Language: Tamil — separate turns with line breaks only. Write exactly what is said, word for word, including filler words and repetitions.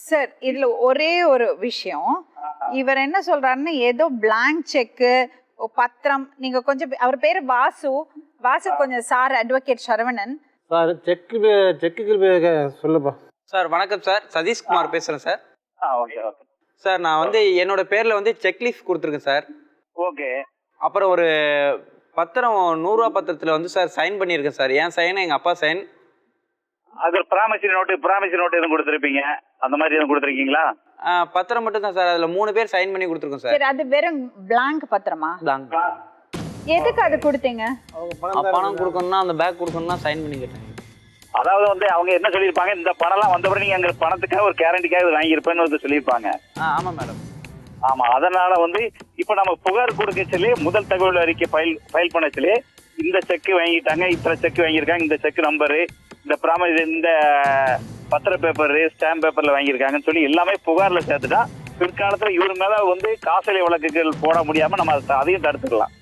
சார் இதுல ஒரே ஒரு விஷயம், இவர் என்ன சொல்றாருன்னா ஏதோ பிளாங்க் செக்கு பத்திரம், நீங்க கொஞ்சம் அவர் பேரு வாசு, வாசு கொஞ்சம் sir advocate Saravanan
sir check செக்குக்கு சொல்லுப்பா.
சார் வணக்கம் சார், சதீஷ்குமார் பேசுகிறேன் சார்.
ஆ ஓகே ஓகே
சார் நான் வந்து என்னோட பேரில் வந்து செக்லீஃப் கொடுத்துருக்கேன் சார்.
ஓகே.
அப்புறம் ஒரு பத்திரம் நூறுரூவா பத்திரத்தில் வந்து சார் சைன் பண்ணியிருக்கேன் சார். என் சைன் எங்கள் அப்பா சைன்.
அது ப்ராமிசரி நோட்டு ப்ராமிசரி நோட்டு எதுவும் கொடுத்துருப்பீங்க, அந்த மாதிரி எதுவும் கொடுத்துருக்கீங்களா?
பத்திரம் மட்டும் தான் சார், அதில் மூணு பேர் சைன் பண்ணி கொடுத்துருக்கோம் சார்.
சரி, அது வெறும் பிளாங்க் பத்திரமா?
பிளாங்க்.
எதுக்கு அது கொடுத்தீங்க?
பணம் கொடுக்கணும்னா அந்த பேக் கொடுக்கணும்னா சைன் பண்ணி கேட்டேன்.
அதாவது வந்து அவங்க என்ன சொல்லியிருப்பாங்க, இந்த பணம்லாம் வந்தபடி நீங்கள் எங்கள் பணத்துக்காக ஒரு கேரண்டிக்காக வாங்கியிருப்பேன்னு வந்து சொல்லியிருப்பாங்க.
ஆ ஆமாம் மேடம்.
ஆமாம், அதனால வந்து இப்போ நம்ம புகார் கொடுக்க சொல்லி முதல் தகவல் அறிக்கை ஃபைல் ஃபைல் பண்ண சொல்லி இந்த செக்கு வாங்கிட்டாங்க, இத்தனை செக்கு வாங்கியிருக்காங்க, இந்த செக் நம்பரு, இந்த ப்ராமிஸ், இந்த பத்திர பேப்பரு, ஸ்டாம்ப் பேப்பரில் வாங்கியிருக்காங்கன்னு சொல்லி எல்லாமே புகாரில் சேர்த்துட்டா பிற்காலத்தில் இவர் மேலே வந்து காசோலை வழக்குகள் போட முடியாமல் நம்ம அதை அதையும் தடுத்துக்கலாம்.